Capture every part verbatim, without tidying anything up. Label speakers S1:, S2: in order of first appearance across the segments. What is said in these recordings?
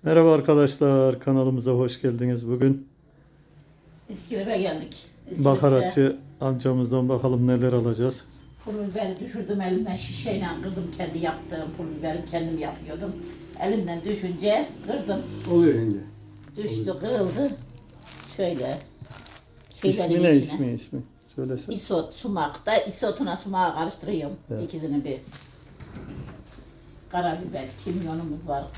S1: Merhaba arkadaşlar, kanalımıza hoş geldiniz. Bugün
S2: İskilip'e geldik. İskilip'te
S1: bakaratçı amcamızdan bakalım neler alacağız.
S2: pul biberi düşürdüm elimden, şişeyle kırdım, kendi yaptığım pul biberi kendim yapıyordum. Elimden düşünce kırdım.
S3: Oluyor yenge.
S2: Düştü, kırıldı. Şöyle şeylerin
S1: İsmi ne
S2: içine.
S1: ismi ismi? Söylesene.
S2: İsot, sumak da isotuna sumağı karıştırıyorum.
S1: Evet.
S2: İkisini bir. Karabiber, kimyonumuz var.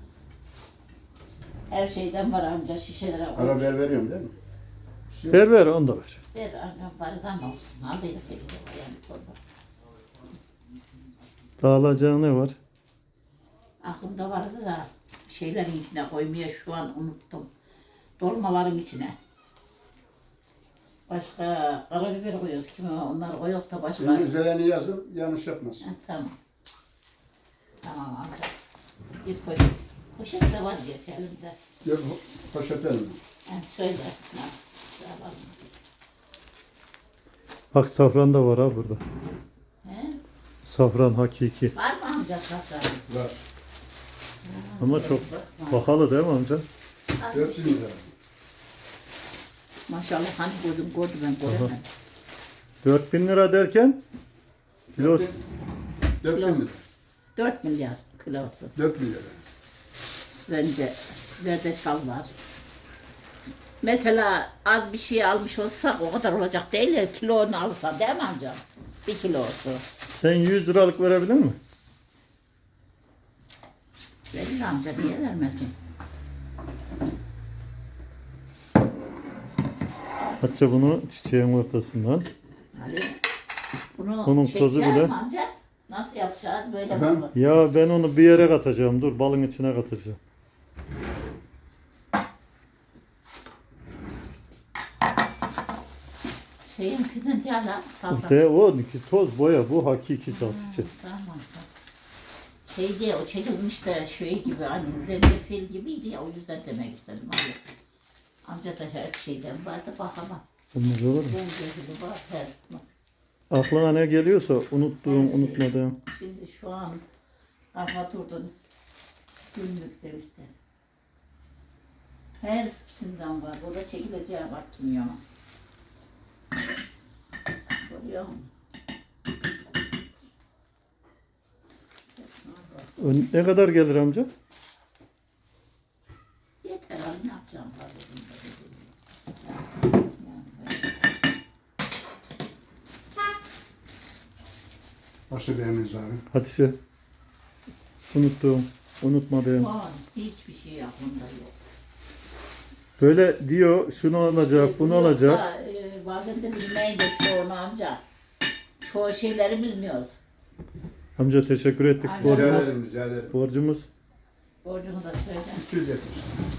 S2: Her şeyden var amca, şişelere koy.
S3: Karabiber veriyorum değil mi?
S1: Ver ver onu da ver.
S2: Ver annem barıdan olsun. Aldıydık hediye yani torba.
S1: Dağılacağı ne var?
S2: Aklımda vardı da şeylerin içine koymaya şu an unuttum. Dolmaların içine. Başka karabiber koyuyoruz. Kimi onlar koyuyor da başka.
S3: Şimdi üzerine yazın, yanlış yapmasın.
S2: Ha, tamam. Tamam amca. Bir poşet. Poşet de var geç elimde.
S3: Yok, poşete mi?
S2: Ha, söyle. Ha, alalım.
S1: Bak safran da var ha burada.
S2: He?
S1: Safran hakiki.
S2: Var mı amca safran?
S3: Var.
S1: Ama çok pahalı değil mi amca?
S3: Hepsini de.
S2: Maşallah hani gözüm gördü ben göremedim.
S1: dört bin lira derken kilo
S3: Dört bin lira.
S2: dört milyar kilosu.
S3: Dört bin lira.
S2: Bence zerdeçal var. Mesela az bir şey almış olsak o kadar olacak değil ya, kilonu alsa değil mi amca? Bir kilosu.
S1: sen yüz liralık verebilir mi?
S2: Verir amca, niye vermesin?
S1: Hatta bunu çiçeğin ortasından.
S2: Ali, bunu
S1: Onun
S2: çekeceğiz
S1: tozu bile-
S2: mi amca? Nasıl yapacağız böyle
S3: Efendim?
S2: mi?
S1: Ya ben onu bir yere katacağım. Dur balın içine katacağım.
S2: Şeyinkinden değil ha, safran.
S1: De o ki toz boya bu hakiki satıcı.
S2: Tamam tamam. Şey diye o çekilmiş de şey gibi hani zencefil gibiydi ya, o yüzden demek istedim Ali. Amca da her şeyden vardı bakamam.
S1: Olmaz olur mu?
S2: Zencefili var her.
S1: Aklına ne geliyorsa unuttuğum,
S2: Her şey.
S1: unutmadığım.
S2: Şimdi şu an kafa durdun. Günlük işte. Hepsinden var. O da çekileceği bak kimyona. Görüyor musun?
S1: Ön- Ne kadar gelir amca?
S2: Yeter abi, ne yapacağım fazlasını da dedim. Yani böyle.
S3: Başka bir eminiz abi.
S1: Hatice. Unuttuğum, unutmadığım.
S2: Şu an hiçbir şey aklımda yok.
S1: Böyle diyor şunu alacak, bunu
S2: Yok
S1: alacak.
S2: da, e, bazen de bilmeyin de çoğunu amca. Çoğu şeyleri bilmiyoruz.
S1: Amca teşekkür ettik.
S2: Aynen.
S3: Rica
S1: Borcumuz.
S3: ederim, rica ederim.
S1: Borcumuz.
S2: Borcunu da söyle.
S3: iki yüz yetmiş.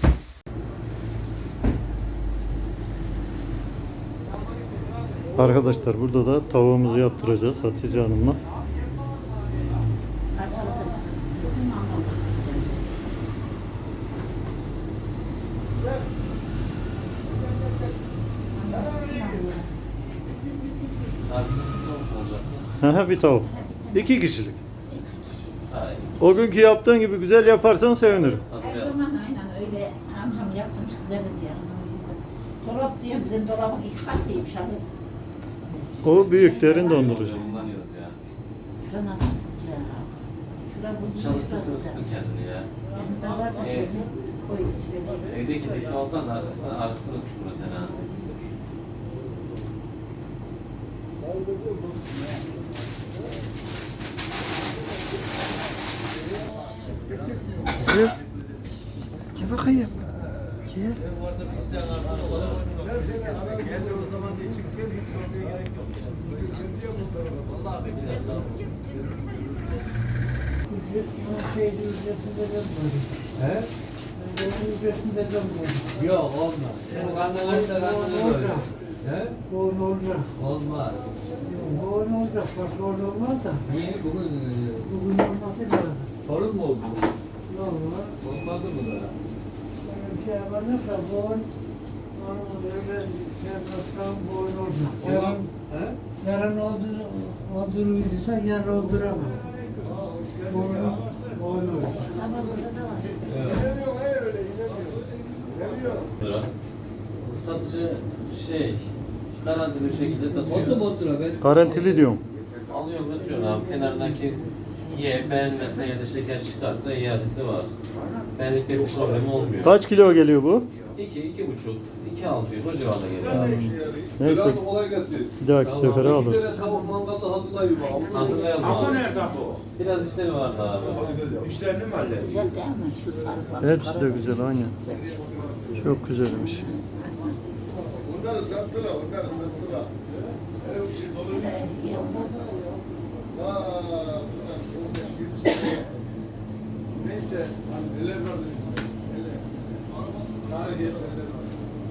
S1: Arkadaşlar burada da tavuğumuzu yaptıracağız Hatice Hanım'la.
S2: Parçalatacağız. Bizim anlamda.
S1: Aha, bir tavuk. İki kişilik.
S2: İki kişiyiz.
S1: O günkü yaptığın gibi güzel yaparsan sevinirim.
S2: Her zaman aynen öyle amcam yaptırmış güzeldi diye. O yüzden. Dolap diyor, bizim dolabın iki katıymış abi.
S1: O büyük derin dondurucu.
S4: Kullanıyoruz ya.
S2: Şura nasıl sıcak? Şura buzlu, şura
S4: Çalıştıkça
S2: sıcak.
S4: ısıtır kendini ya.
S2: Yani da var da şöyle koy şöyle.
S4: Evdeki mikrofondan da arkasını, arkasını ısıtır mesela.
S1: Kızım. Gel bakayım. Gel.
S4: Yok olmaz. Bu karnı da karnını böyle. He?
S5: Doğru olacak.
S4: Olmaz.
S5: Doğru olacak. Başka orada olmaz da.
S4: Niye bugün e,
S5: Bugün olması lazım.
S4: sorun mu oldu?
S5: Ne olur?
S4: Olmadı mı da?
S5: Böyle bir şey yapacak da boğun. Onun öyle yapmasam boğun olacak. Yarın,
S4: He?
S5: yarın oldu, oldururduysa yarın olduramam. Boğun, boğun olacak.
S2: Ama burada da var.
S4: Evet.
S6: satıcı şey garantili bir şekilde satıyor.
S4: Otur otur ben.
S1: Garantili diyorum.
S6: Alıyor götürüyor abi. Kenardaki ye beğenmezse ya da şeker çıkarsa iadesi var. Benlikte bir problem olmuyor.
S1: Kaç kilo geliyor bu?
S6: iki, iki buçuk, iki altı euro o civarda geliyor abi.
S1: Neyse
S3: Biraz kolay gelsin.
S1: bir dahaki sefere
S3: Bir
S1: alırız.
S3: tane tavuk mangalda hazırlayayım abi.
S6: Hazırlayalım abi.
S7: nerede bu?
S6: Biraz işleri vardı abi.
S3: Hadi gel ya.
S7: İşlerini mi halledin?
S2: Güzel değil mi? Şu sarı bak.
S1: Hepsi de güzel aynen. Çok güzelmiş.
S3: Onları sattılar, onları sattılar. Ev işi dolu. Aa, bunlar on beş yirmi sene. Neyse, neler vardı bizim? Neler? Tarihi eserler var.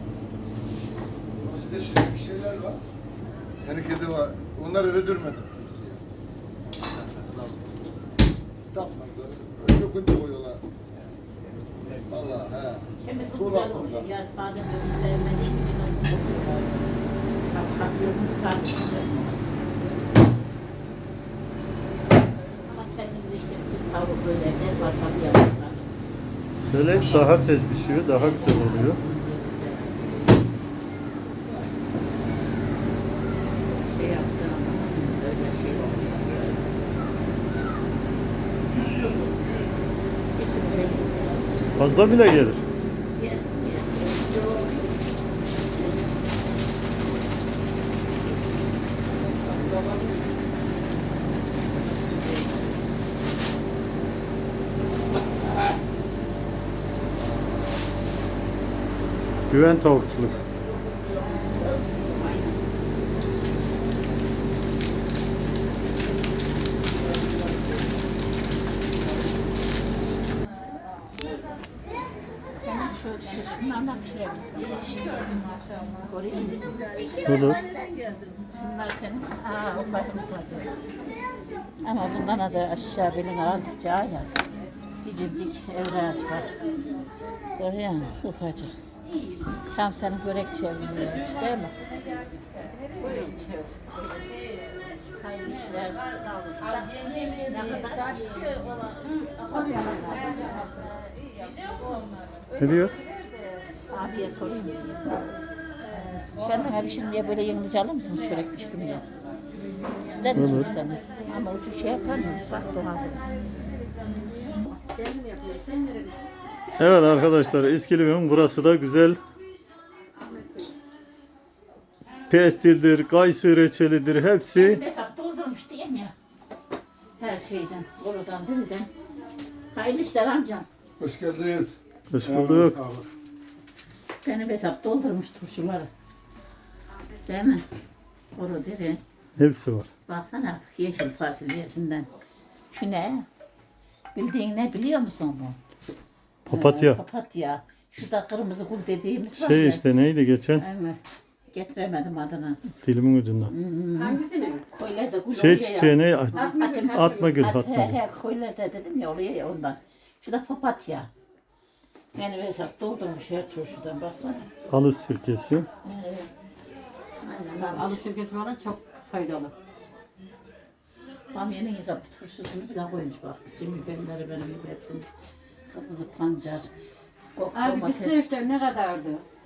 S3: Bizde şimdi bir şeyler var. Tenekede var. Onları öldürmedim. Sapmadı. Öyle kunca koyuyorlar. Vallahi he.
S2: Kemik
S3: Tuğla
S2: güzel
S3: tuğla.
S2: oluyor. Ya sade böyle sevmediğim için onu tak takıyorum sadece. Ama kendimiz işte bir tavuk böyle her parçalı yapıyorlar.
S1: Böyle daha tez pişiyor, daha güzel oluyor.
S2: Şey yaptım. Öyle şey oluyor. Getirecek.
S1: Fazla bile gelir.
S2: Yersin yersin.
S1: Güven tavukçuluk.
S2: Sen şu şunlardan pişirebilirsin. Koruyor musun?
S1: Olur.
S2: Şunlar senin. Aa ufacık ufacık. Ama bundan da aşağı belini aldıkça ya. Gidimcik evrağı çıkar. Görüyor musun? Ufacık. Tam senin börek çevirmiyormuş değil mi? Börek çevir. Hayırlı işler. Sağ olun. Ne kadar?
S1: Ne diyor?
S2: Abiye sorayım. Kendine pişirmeye böyle yenilince alır mısın çörek pişirmeye? İster misin
S1: Olur.
S2: bir tane? Ama ucu şey yapar mı? Bak doğal.
S1: Evet arkadaşlar İskilip'in burası da güzel. Pestildir, kayısı reçelidir hepsi.
S2: Hesap doldurmuş diyeyim ya. Her şeyden, oradan, birden. Hayırlı işler amcam.
S3: Hoş geldiniz.
S1: Hoş bulduk.
S2: Benim hesap doldurmuş turşuları. Değil mi? Oru diri.
S1: Hepsi var.
S2: Baksana yeşil fasulyesinden. Şu ne? Bildiğin ne biliyor musun bu?
S1: Papatya.
S2: Ee, papatya. Şu da kırmızı gül dediğimiz var
S1: Şey
S2: ya.
S1: işte neydi geçen?
S2: Evet. Getiremedim adını.
S1: Dilimin ucundan.
S2: Koylarda gül
S1: Şey
S2: oluyor ya.
S1: çiçeği ne?
S2: Atma gül.
S1: Atma gül,
S2: At-
S1: atma
S2: He
S1: gül.
S2: he koylarda dedim ya oluyor ya ondan. Şu da papatya. Yani hesap doldurmuş her turşudan baksana.
S1: Halıç sirkesi.
S2: Aynen
S8: Alı sirkesi falan çok faydalı.
S2: Bamyanın hesap turşusunu bile koymuş bak. Cem biberleri benim gibi hepsini. Kırmızı pancar. Kok,
S8: Abi
S2: domates.
S8: bisküviler ne kadardı?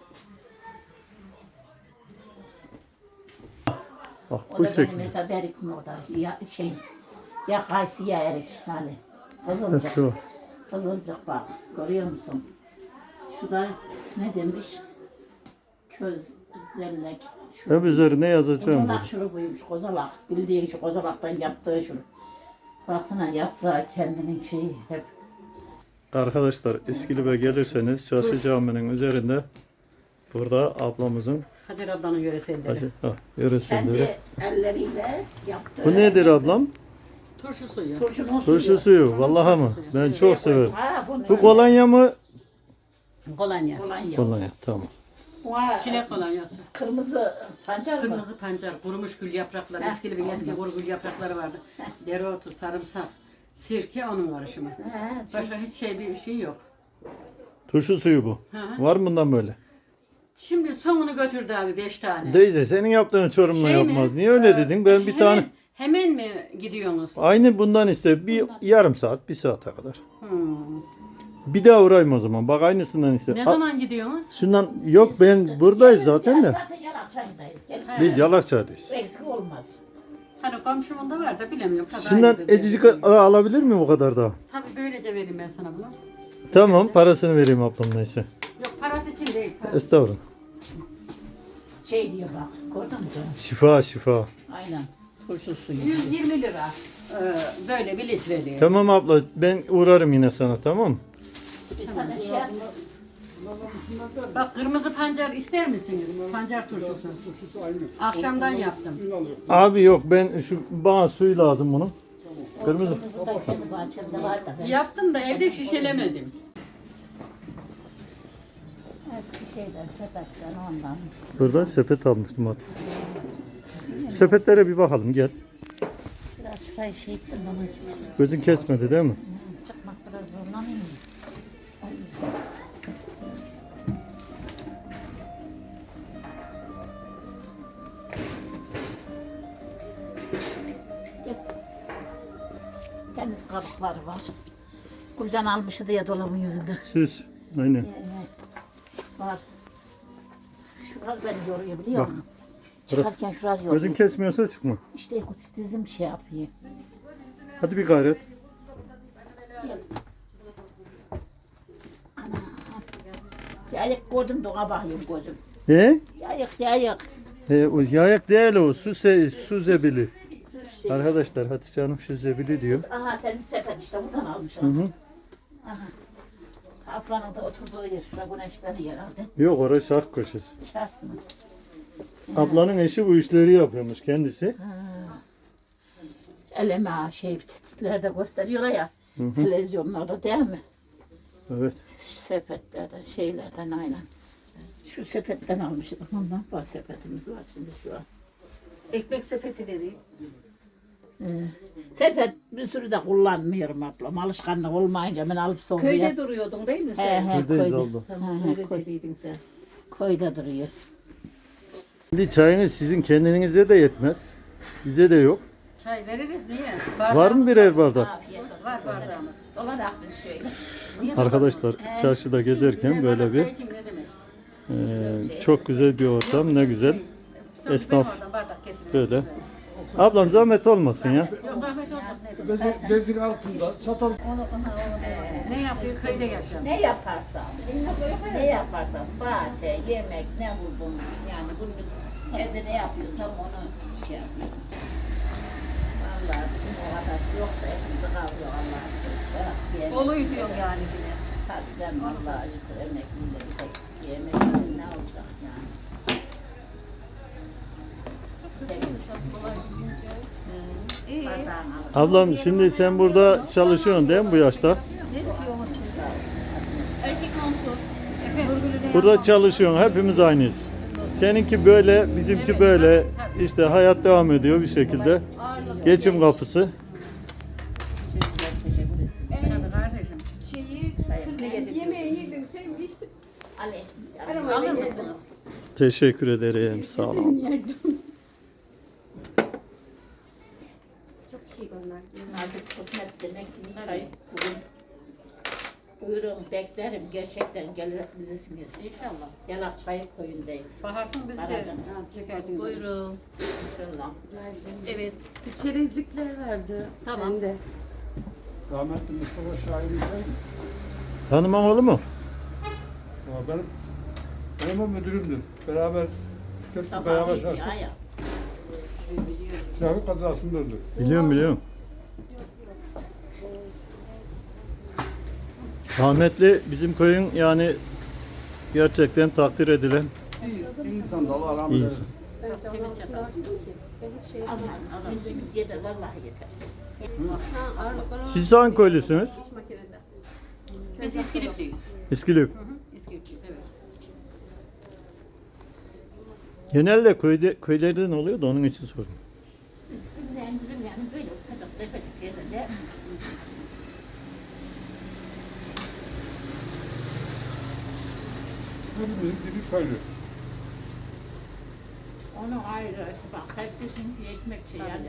S1: Bak
S2: O
S1: bu
S2: da benim
S1: şekilde.
S2: mesela berik mi o da ya şey ya kayısı ya erik hani
S1: Hepsi
S2: kızılcık
S1: var.
S2: kızılcık bak görüyor musun? Şu da ne demiş? Köz zellek.
S1: Hep üzerine yazacağım
S2: Kozalak
S1: bunu.
S2: şurubuymuş kozalak. Bildiğin şu kozalaktan yaptığı şurup. Baksana yaprağı kendinin şeyi hep.
S1: Arkadaşlar İskilip'e gelirseniz Çarşı Camii'nin üzerinde burada ablamızın
S8: Hacer ablanın yöreselleri.
S1: Hacı, ha, yöreselleri.
S2: Kendi elleriyle yaptığı.
S1: Bu nedir ablam?
S8: Turşu suyu.
S2: Turşunun suyu.
S1: Turşu suyu. Vallahi mı? Ben çok severim.
S2: Ha, bunu
S1: Bu kolonya mı?
S8: Kolonya.
S2: kolonya.
S1: Kolonya tamam.
S2: Vay,
S8: Çilek kolonyası.
S2: Kırmızı pancar mı?
S8: Kırmızı pancar, kurumuş gül yaprakları,
S2: Heh,
S8: eski bir eski kuru gül yaprakları vardı. Dereotu, sarımsak, sirke onun karışımı.
S2: He,
S8: Başka hiç şey bir şey yok.
S1: Turşu suyu bu.
S8: Hı hı.
S1: Var mı bundan böyle?
S8: Şimdi sonunu götürdü abi beş tane.
S1: Deyze senin yaptığın Çorum'la
S8: Şey mi?
S1: yapmaz. Niye öyle dedin? Ben bir
S8: Hemen-
S1: tane
S8: Hemen mi gidiyorsunuz?
S1: aynı bundan iste bir yarım saat, bir saate kadar.
S8: Hmm.
S1: Bir daha uğrayayım o zaman. Bak aynısından iste.
S8: Ne
S1: Al-
S8: zaman gidiyorsunuz?
S1: Şundan yok ben buradayız zaten de.
S2: Zaten Yalakçay'dayız. Gelin.
S1: Biz Yalakçı'dayız.
S2: Eksik olmaz.
S8: Hani komşumun da var da bilemiyorum. Kadar
S1: Şundan
S8: gidiyor.
S1: ecicik a- alabilir miyim o kadar daha?
S8: Tabii böylece vereyim ben sana bunu.
S1: Tamam parasını vereyim ablam neyse.
S8: Yok parası için değil. Para.
S1: Estağfurullah.
S2: Şey diyor bak. Gördün mü canım?
S1: Şifa şifa.
S2: Aynen. Turşu suyu.
S8: yüz yirmi lira. Ee, böyle bir litreli.
S1: Tamam abla ben uğrarım yine sana tamam mı?
S2: Bir tane şey yap.
S8: Bak kırmızı pancar ister misiniz? Pancar turşusu. Akşamdan yaptım.
S1: Abi yok ben şu bana suyu lazım bunun. Kırmızı.
S2: Kırmızı da kendi bahçemde var da. Ben
S8: Yaptım da evde şişelemedim.
S2: eski şeyden, sepetten ondan.
S1: Buradan sepet almıştım at. Sepetlere bir bakalım gel.
S2: Biraz şurayı şey ettim bana.
S1: Gözün kesmedi değil mi?
S2: Çıkmak biraz zorlanayım mı? Deniz kabukları var. Gülcan almıştı ya dolabın yüzünde.
S1: Süs. Aynen.
S2: Yani var. Şurar beni yoruyor biliyor musun? Çıkarken şurar yoruyor.
S1: Gözün kesmiyorsa çıkma.
S2: İşte dizim şey yapıyor.
S1: Hadi bir gayret.
S2: Yayık gördüm de ona bakıyorum gözüm.
S1: Ne?
S2: Yayık yayık.
S1: E, o yayak değil o. Su, se, su zebili. Arkadaşlar Hatice Hanım şu zebili diyor.
S2: Aha senin sepet işte buradan almış.
S1: Hı hı.
S2: Aha. Kaplanın da oturduğu yer. Şura güneşleri herhalde.
S1: Yok orası şark köşesi.
S2: Şart mı?
S1: Ablanın eşi bu işleri yapıyormuş kendisi.
S2: Eleme şey titlerde gösteriyorlar ya. Televizyonlarda değil mi?
S1: Evet.
S2: Sepetlerden şeylerden aynen. Şu sepetten almışım. Ondan var sepetimiz var şimdi şu an.
S8: Ekmek sepeti vereyim.
S2: Ee, sepet bir sürü de kullanmıyorum ablam. Alışkanlık olmayınca ben alıp soğuya.
S8: Köyde duruyordun değil mi
S2: He
S8: sen?
S2: he
S1: Buradayız
S2: koyda.
S1: abla.
S2: He, he,
S8: Öyle
S2: koy,
S8: dediydin sen.
S2: koyda duruyor.
S1: Şimdi çayınız sizin kendinize de yetmez. Bize de yok.
S8: Çay veririz niye?
S1: Var mı birer bardak?
S2: Afiyet olsun.
S8: Var bardağımız.
S2: Dolarak biz şöyle.
S1: Arkadaşlar çarşıda gezerken böyle bir
S8: Çay için ne demek?
S1: e, çok güzel bir ortam ne güzel.
S8: Sen
S1: Esnaf
S8: benim oradan bardak getirin.
S1: böyle. Ablam zahmet olmasın ya.
S8: Yok zahmet olacak ne demek?
S5: Bezir, bezir altında çatal.
S8: Onu, onu, onu, ne yapıyor? Köyde yaşıyor.
S2: Ne yaparsam, ne yaparsam, bahçe, yemek, ne buldum yani günlük evde ne yapıyorsam onu şey yapıyorum. Vallahi bizim o kadar yok da hepimizi kavrıyor Allah aşkına işte. Yemek-
S8: Doluyu diyorum yani yine.
S2: Tabii canım Allah aşkına emekliyle bir tek yemek ne olacak yani. Bardağını alır.
S1: Ablam şimdi sen burada çalışıyorsun değil mi bu yaşta?
S8: Erkek montu. Efendim?
S1: Burada çalışıyorsun. Hepimiz aynıyız. Seninki böyle, bizimki böyle. İşte hayat devam ediyor bir şekilde. Geçim kapısı.
S8: Tabii kardeşim.
S7: Yemeği yedim, sevdim, içtim.
S2: Ali,
S8: Alır mısınız?
S1: Teşekkür ederim. Sağ olun.
S7: Çok şey onlar.
S2: nazik kısmet demek ki çay bugün. Buyurun beklerim gerçekten gelebilirsiniz.
S8: İnşallah.
S2: Yalak çayı koyundayız.
S8: Baharsın bizi de
S2: Aradım.
S8: ha, çekersiniz.
S2: Buyurun. İnşallah.
S8: Evet.
S7: Çerezlikler vardı.
S2: Tamam.
S7: Sende.
S5: Rahmetli Mustafa Şahin'den
S1: Tanımam olur mu?
S5: benim benim o müdürümdü. Beraber Tüketli
S2: Tamam,
S5: beraber
S2: iyi
S5: çalıştık.
S2: ya, ya.
S5: Trafik kazasında öldü.
S1: Biliyorum biliyorum. Rahmetli bizim köyün yani gerçekten takdir edilen
S5: İyi, iyi insan da Allah rahmet
S1: iyi
S5: eylesin.
S1: insan.
S8: Temiz çatal.
S2: Aman aman işimiz yeter vallahi yeter.
S1: Siz hangi köylüsünüz?
S8: Biz İskilipliyiz.
S1: İskilip.
S8: Hı hı. İskilipliyiz evet.
S1: Genelde köyde, köylerden oluyor da onun için sordum.
S2: Yani bizim yani böyle ufacık tefecik yerlerde
S5: Hepimizin dibi köylü.
S2: onu ayrı bak herkesin bir ekmek şey yani.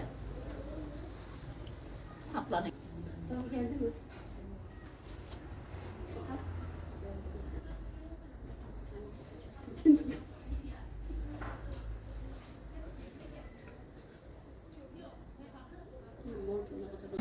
S2: Ablanın.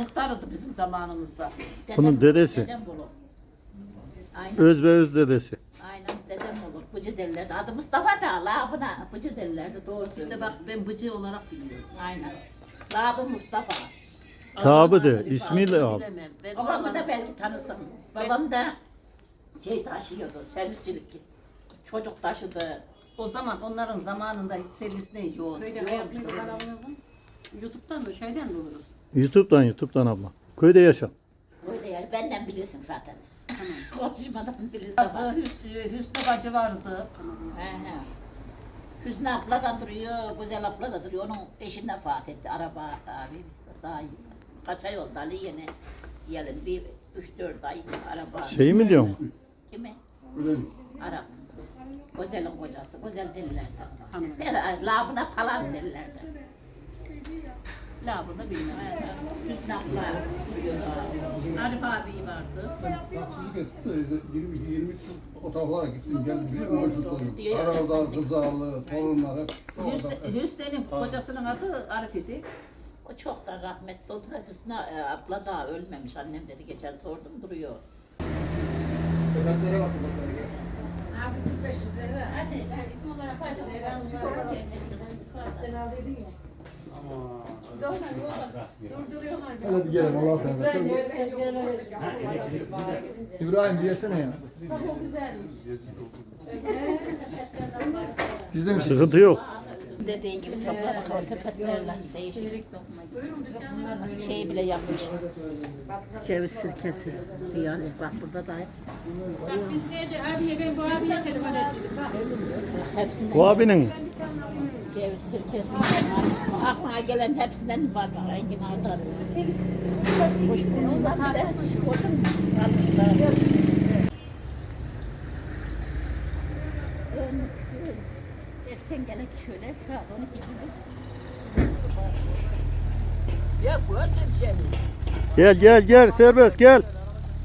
S8: muhtarıydı bizim zamanımızda.
S1: Bunun dedesi.
S2: Dedem olur. Aynen.
S1: Öz ve öz dedesi.
S2: Aynen dedem olur. Bıcı derlerdi. Adı Mustafa da labına bıcı derlerdi. Doğru
S8: İşte bak ben bıcı olarak biliyorum.
S2: Aynen. Labı Mustafa.
S1: Tabi de ismiyle al.
S8: Bilemem. Ben
S2: Babamı
S8: oraları-
S2: da belki tanırsın. Babam da şey taşıyordu, servisçilik. Çocuk taşıdı.
S8: O zaman onların zamanında hiç servis ne yok. Yokmuş da. YouTube'dan mı şeyden mi oluruz?
S1: YouTube'dan YouTube'dan abla. Köyde yaşa.
S2: Öyle yani benden bilirsin zaten. Konuşmadan bilirsin.
S8: Vardı, Hüsnü, Hüsnü bacı vardı.
S2: He he. Hüsnü abla da duruyor, güzel abla da duruyor. Onun eşi vefat etti. Araba abi daha kaç ay oldu Ali yine. Gelin bir üç dört ay araba.
S1: Şey mi diyorsun?
S2: Kimi?
S3: Öyle.
S2: Arap. Güzelin kocası, güzel dillerdi.
S8: Hanım.
S2: Der, labına palaz derlerdi.
S8: La bunu bilmem.
S2: Hüsnü abla duruyordu.
S8: Arif abi vardı.
S3: Taksicilik ettim de yirmi iki yirmi üç o taraflara gittim geldim biliyor musun? Ölçü soruyorum. Arada kızarlı, torunlar hep.
S8: Hüsnü, Hüsnü'nün kocasının adı Arif idi.
S2: O çoktan rahmetli oldu da Hüsnü e, abla daha ölmemiş. Annem dedi geçen sordum duruyor.
S3: Sedatlere bak sedatlere gel.
S2: Hadi ben isim olarak sadece sonra gelecektim.
S7: Sen aldıydın ya. Durduruyorlar.
S3: Hadi bir gelin Allah sen. İbrahim diyesene ya. Biz de mi
S1: Sıkıntı yok.
S2: Dediğin gibi topladık o sepetlerle değişik. Şey bile yapmış. Ceviz sirkesi diyor. Bak burada da
S7: Biz neydi? Abiye ben bu abiye telefon ettim. Bak.
S2: hepsinden
S1: Bu abinin
S2: ceviz sirkesi var. Aklına gelen hepsinden var. Bak enginardan. Hoş bulunlar bir de gördün mü? Almışlar. Sen gene şöyle saat on iki gibi. Ya gördüm seni.
S1: gel gel gel serbest gel.